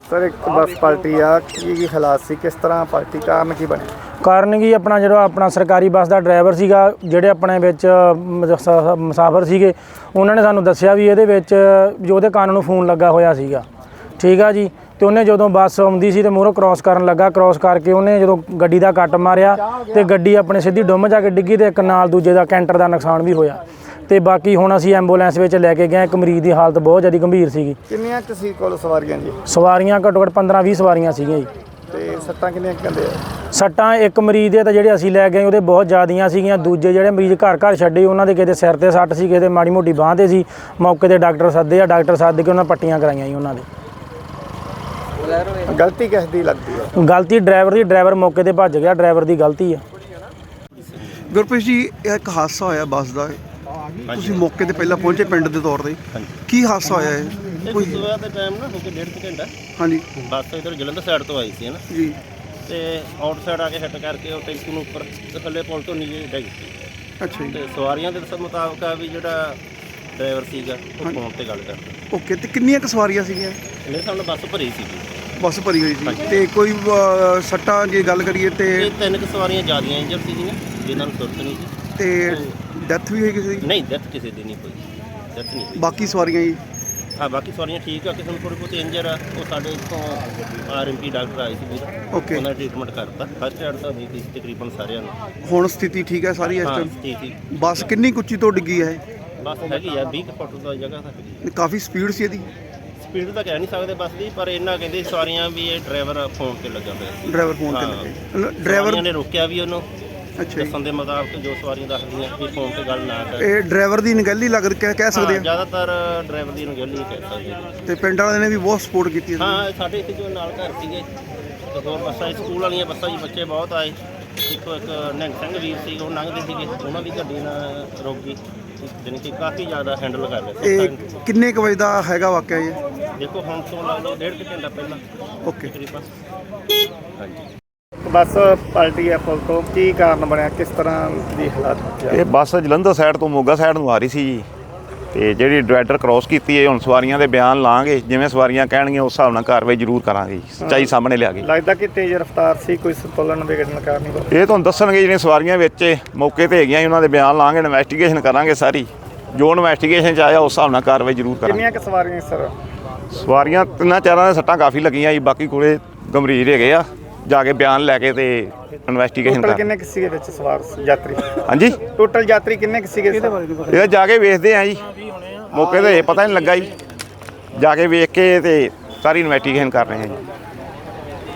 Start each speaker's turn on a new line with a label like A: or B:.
A: Sir एक बस पलटी आ की हालात सी किस तरह पलटी कारण की बने
B: ਕਾਰਨ ਕੀ ਆਪਣਾ ਜਿਹੜਾ ਆਪਣਾ ਸਰਕਾਰੀ ਬੱਸ ਦਾ ਡਰਾਈਵਰ ਸੀਗਾ ਜਿਹੜੇ ਆਪਣੇ ਵਿੱਚ ਮੁਸਾਫਰ ਸੀਗੇ ਉਹਨਾਂ ਨੇ ਸਾਨੂੰ ਦੱਸਿਆ ਵੀ ਇਹਦੇ ਵਿੱਚ ਜੋ ਉਹਦੇ ਕੰਨ ਨੂੰ ਫੋਨ ਲੱਗਾ ਹੋਇਆ ਸੀਗਾ ਠੀਕ ਆ ਜੀ ਤੇ ਉਹਨੇ ਜਦੋਂ ਬੱਸ ਆਉਂਦੀ ਸੀ ਤੇ ਮੂਹਰੋਂ ਕ੍ਰਾਸ ਕਰਨ ਲੱਗਾ ਕ੍ਰਾਸ ਕਰਕੇ ਉਹਨੇ ਜਦੋਂ ਗੱਡੀ ਦਾ ਕੱਟ ਮਾਰਿਆ ਤੇ ਗੱਡੀ ਆਪਣੇ ਸਿੱਧੀ ਡੁੰਮ ਜਾ ਕੇ ਡਿੱਗੀ ਤੇ ਇੱਕ ਨਾਲ ਦੂਜੇ ਦਾ ਕੈਂਟਰ ਦਾ ਨੁਕਸਾਨ ਵੀ ਹੋਇਆ ਤੇ ਬਾਕੀ ਹੁਣ ਅਸੀਂ ਐਂਬੂਲੈਂਸ ਵਿੱਚ ਲੈ ਕੇ ਗਏ ਇੱਕ ਮਰੀਜ਼ ਦੀ ਹਾਲਤ ਬਹੁਤ ਜ਼ਿਆਦਾ ਗੰਭੀਰ ਸੀਗੀ
A: ਕਿੰਨੀਆਂ ਕੁ ਸੀ ਕੋਲ ਸਵਾਰੀਆਂ ਜੀ
B: ਸਵਾਰੀਆਂ ਘੱਟੋ ਘੱਟ 15-20 ਸਵਾਰੀਆਂ ਸੀਗੀਆਂ ਜੀ
A: ਤੇ ਸੱਟਾਂ ਕਿੰਨੀਆਂ ਕਹਿੰਦੇ ਆ
B: ਸੱਟਾਂ ਇੱਕ ਮਰੀਜ਼ ਦੇ ਤਾਂ ਜਿਹੜੇ ਅਸੀਂ ਲੈ ਗਏ ਉਹਦੇ ਬਹੁਤ ਜ਼ਿਆਦੀਆਂ ਸੀਗੀਆਂ ਦੂਜੇ ਜਿਹੜੇ ਮਰੀਜ਼ ਘਰ ਛੱਡੇ ਉਹਨਾਂ ਦੇ ਕਿਤੇ ਸਿਰ ਤੇ ਸੱਟ ਸੀ ਕਿਤੇ ਮਾੜੀ ਮੋਟੀ ਬਾਂਹ ਤੇ ਸੀ ਮੌਕੇ ਤੇ ਡਾਕਟਰ ਸੱਦ ਕੇ ਉਹਨਾਂ ਪੱਟੀਆਂ ਕਰਾਈਆਂ ਜੀ ਉਹਨਾਂ ਦੇ
A: ਗਲਤੀ ਕਿਸ ਦੀ ਲੱਗਦੀ ਹੈ
B: ਗਲਤੀ ਡਰਾਈਵਰ ਦੀ ਡਰਾਈਵਰ ਮੌਕੇ ਤੇ ਭੱਜ ਗਿਆ ਡਰਾਈਵਰ ਦੀ ਗਲਤੀ ਆ
C: ਗੁਰਪ੍ਰੀਤ ਜੀ ਇਹ ਇੱਕ ਹਾਦਸਾ ਹੋਇਆ ਬੱਸ ਦਾ ਤੁਸੀਂ ਮੌਕੇ ਤੇ ਪਹਿਲਾਂ ਪਹੁੰਚੇ ਪਿੰਡ ਦੇ ਤੌਰ ਤੇ ਕੀ ਹਾਦਸਾ ਹੋਇਆ ਇਹ
D: ਕੋਈ ਸਵੇਰ ਦੇ ਟਾਈਮ ਨਾ ਹੋ ਕੇ 1.5 ਘੰਟਾ
C: ਹਾਂਜੀ
D: ਬੱਸ ਇਧਰ ਜਲੰਧਰ ਸਾਈਡ ਤੋਂ ਆਈ ਸੀ ਹੈ ਨਾ
C: ਜੀ
D: ਤੇ ਆਊਟ ਸਾਈਡ ਆ ਕੇ ਹਿੱਟ ਕਰਕੇ ਉਹ ਟੈਂਕੀ ਨੂੰ ਉੱਪਰ ਥੱਲੇ ਪੁਲ ਤੋਂ ਨੀਚੇ ਡਿੱਗ ਗਈ
C: ਅੱਛਾ ਜੀ
D: ਤੇ ਸਵਾਰੀਆਂ ਦੇ ਦੱਸਣ ਮੁਤਾਬਕ ਆ ਵੀ ਜਿਹੜਾ ਡਰਾਈਵਰ ਸੀਗਾ ਉਹ ਫੋਨ ਤੇ ਗੱਲ ਕਰਦਾ
C: ਓਕੇ ਤੇ ਕਿੰਨੀਆਂ ਕੁ ਸਵਾਰੀਆਂ ਸੀਗੀਆਂ
D: ਇਹਨੇ ਸਾਨੂੰ ਬੱਸ ਭਰੀ ਸੀਗੀ
C: ਬੱਸ ਭਰੀ ਹੋਈ ਸੀ ਤੇ ਕੋਈ ਸੱਟਾਂ ਜੇ ਗੱਲ ਕਰੀਏ ਤੇ
D: ਤੇ 3 ਸਵਾਰੀਆਂ ਜ਼ਿਆਦੀਆਂ ਇੰਜਰ ਸੀਗੀਆਂ ਜਿਨ੍ਹਾਂ ਨੂੰ ਸੁਰਤ ਨਹੀਂ ਸੀ
C: ਤੇ ਡੈਥ ਵੀ ਹੋਈ ਕਿਸੇ ਦੀ
D: ਨਹੀਂ ਡੈਥ ਕਿਸੇ ਦੀ ਨਹੀਂ ਹੋਈ ਡੈਥ ਨਹੀਂ ਹੋਈ
C: ਬਾਕੀ ਸਵਾਰੀਆਂ ਜੀ
D: ਹਾਂ ਬਾਕੀ ਸਵਾਰੀਆਂ ਠੀਕ ਆ ਕਿਸੇ ਨੂੰ ਥੋੜ੍ਹੀ ਬਹੁਤੀ ਇੰਜਰ ਆ ਉਹ ਸਾਡੇ ਇੱਥੋਂ ਆਰਐਮਪੀ ਡਾਕਟਰ ਆਏ ਸੀ ਵੀਰ
C: ਓਕੇ
D: ਉਹਨਾਂ ਨੇ ਟ੍ਰੀਟਮੈਂਟ ਕਰਤਾ ਫਸਟ ਐਡ ਤਾਂ ਹੋਈ ਸੀ ਤਕਰੀਬਨ ਸਾਰਿਆਂ ਨੂੰ
C: ਹੁਣ ਸਥਿਤੀ ਠੀਕ ਹੈ ਸਾਰੀ ਇਸ
D: ਹਾਂ
C: ਟਾਈਮ
D: ਠੀਕ ਸੀ
C: ਬੱਸ ਕਿੰਨੀ ਕੁ ਉੱਚੀ ਤੋਂ ਡਿੱਗੀ ਹੈ
D: ਬੱਸ ਹੈਗੀ ਆ 20 ਫੁੱਟ ਦਾ ਜਗ੍ਹਾ ਤਾਂ ਹੈਗੀ
C: ਇਹ ਕਾਫੀ ਸਪੀਡ ਸੀ ਇਹਦੀ
D: ਸਪੀਡ ਤਾਂ ਕਹਿ ਨਹੀਂ ਸਕਦੇ ਬੱਸ ਦੀ ਪਰ ਇਹਨਾਂ ਕਹਿੰਦੇ ਸਵਾਰੀਆਂ ਵੀ ਇਹ ਡਰਾਈਵਰ ਫੋਨ ਤੇ ਲੱਗਾ ਹੋਇਆ ਸੀ
C: ਡਰਾਈਵਰ ਫੋਨ ਤੇ
D: ਹਾਂ।
C: ਲੱਗੇ ਡਰਾਈਵਰ
D: ਸਵਾਰੀਆਂ ਨੇ ਰੋਕਿਆ ਵੀ ਉਹਨੂੰ
C: ਅੱਛਾ ਜੀ
D: ਦੱਸਣ ਦੇ ਮੁਤਾਬਕ ਜੋ ਸਵਾਰੀਆਂ ਦੱਸਦੀਆਂ ਵੀ ਫੋਨ ਤੇ ਗੱਲ ਨਾ ਕਰ
C: ਇਹ ਡਰਾਈਵਰ ਦੀ ਨਿਗਹਿਲੀ ਲੱਗ ਕਹਿ ਸਕਦੇ ਆ
D: ਜ਼ਿਆਦਾਤਰ ਡਰਾਈਵਰ ਦੀ ਅਣਗਹਿਲੀ ਕਹਿ ਸਕਦੇ ਹਾਂ।
C: ਤੇ ਪਿੰਡ ਵਾਲਿਆਂ ਨੇ ਵੀ ਬਹੁਤ ਸਪੋਰਟ ਕੀਤੀ ਹੈ
D: ਹਾਂ ਸਾਡੇ ਇੱਥੇ ਜੋ ਨਾਲ ਘਰ ਸੀਗੇ ਤੇ ਹੋਰ ਬੱਸਾਂ ਸਕੂਲ ਵਾਲੀਆਂ ਬੱਸਾਂ 'ਚ ਬੱਚੇ ਬਹੁਤ ਆਏ ਇੱਕ ਨਿਹੰਗ ਸਿੰਘ ਵੀਰ ਸੀ ਉਹ ਲੰਘਦੇ ਸੀਗੇ ਉਹਨਾਂ ਦੀ ਗੱਡੀ ਨਾਲ ਰੁਕ ਗਈ ਜਾਣੀ ਕਿ ਕਾਫੀ ਜ਼ਿਆਦਾ ਹੈਂਡਲ ਕਰ ਰਹੇ
C: ਇਹ
D: ਸੀ
C: ਕਿੰਨੇ ਕੁ ਵਜੇ ਦਾ ਹੈਗਾ ਵਾਕਿਆ ਇਹ
D: ਦੇਖੋ ਹੁਣ ਤੋਂ ਲਾ ਲਓ 1.5 ਘੰਟਾ ਪਹਿਲਾਂ
C: ਓਕੇ
D: ਤਕਰੀਬਨ ਹਾਂਜੀ
A: ਬੱਸ ਪਲਟੀ ਆ ਪੁਲ ਤੋਂ ਕੀ ਕਾਰਨ ਬਣਿਆ ਕਿਸ ਤਰ੍ਹਾਂ ਦੀ ਹਾਲਾਤ
E: ਇਹ ਬੱਸ ਜਲੰਧਰ ਸਾਈਡ ਤੋਂ ਮੋਗਾ ਸਾਈਡ ਨੂੰ ਆ ਰਹੀ ਸੀ ਜੀ ਤੇ ਜਿਹੜੀ ਡਿਵਾਈਡਰ ਕ੍ਰਾਸ ਕੀਤੀ ਹੈ ਹੁਣ ਸਵਾਰੀਆਂ ਦੇ ਬਿਆਨ ਲਾਂਗੇ ਜਿਵੇਂ ਸਵਾਰੀਆਂ ਕਹਿਣਗੀਆਂ ਉਸ ਹਿਸਾਬ ਨਾਲ ਕਾਰਵਾਈ ਜ਼ਰੂਰ ਕਰਾਂਗੇ ਸੱਚਾਈ ਸਾਹਮਣੇ ਲਿਆ ਕੇ
A: ਲੱਗਦਾ ਕਿ ਤੇਜ਼ ਰਫ਼ਤਾਰ ਸੀ ਕੋਈ ਸੰਤੁਲਨ ਵਿਗੜਨ ਕਾਰਨ ਹੀ
E: ਇਹ ਤੁਹਾਨੂੰ ਦੱਸਣਗੇ ਜਿਹੜੀਆਂ ਸਵਾਰੀਆਂ ਵਿੱਚ ਮੌਕੇ ਤੇ ਹੈਗੀਆਂ ਉਹਨਾਂ ਦੇ ਬਿਆਨ ਲਾਂਗੇ ਇਨਵੈਸਟੀਗੇਸ਼ਨ ਕਰਾਂਗੇ ਸਾਰੀ ਜੋ ਇਨਵੈਸਟੀਗੇਸ਼ਨ 'ਚ ਆਇਆ ਉਸ ਹਿਸਾਬ ਨਾਲ ਕਾਰਵਾਈ ਜ਼ਰੂਰ ਕਰਾਂਗੇ
A: ਕਿੰਨੀਆਂ ਕੁ ਸਵਾਰੀਆਂ ਸਰ
E: ਸਵਾਰੀਆਂ ਤਿੰਨਾਂ ਚਾਰਾਂ ਦੇ ਸੱਟਾਂ ਕਾਫੀ ਲੱਗੀਆਂ ਜੀ ਬਾਕੀ ਕੋਲੇ ਗੰਭੀਰ ਹੈਗੇ ਆ ਜਾ ਕੇ ਬਿਆਨ ਲੈ ਕੇ ਤੇ ਇਨਵੈਸਟੀਗੇਸ਼ਨ
A: ਟੋਟਲ
E: ਕਰ
A: ਕਿੰਨੇ ਕੁ ਸੀਗੇ ਵਿੱਚ ਸਵਾਰ ਯਾਤਰੀ
E: ਹਾਂਜੀ
A: ਟੋਟਲ ਯਾਤਰੀ ਕਿੰਨੇ ਕੁ ਸੀਗੇ
E: ਇਹ ਜਾ ਕੇ ਵੇਖਦੇ ਆ ਜੀ ਮੌਕੇ ਤੇ ਪਤਾ ਨਹੀਂ ਲੱਗਾ ਜੀ ਜਾ ਕੇ ਵੇਖ ਕੇ ਤੇ ਸਾਰੀ ਇਨਵੈਸਟੀਗੇਸ਼ਨ ਕਰ ਰਹੇ ਆ ਜੀ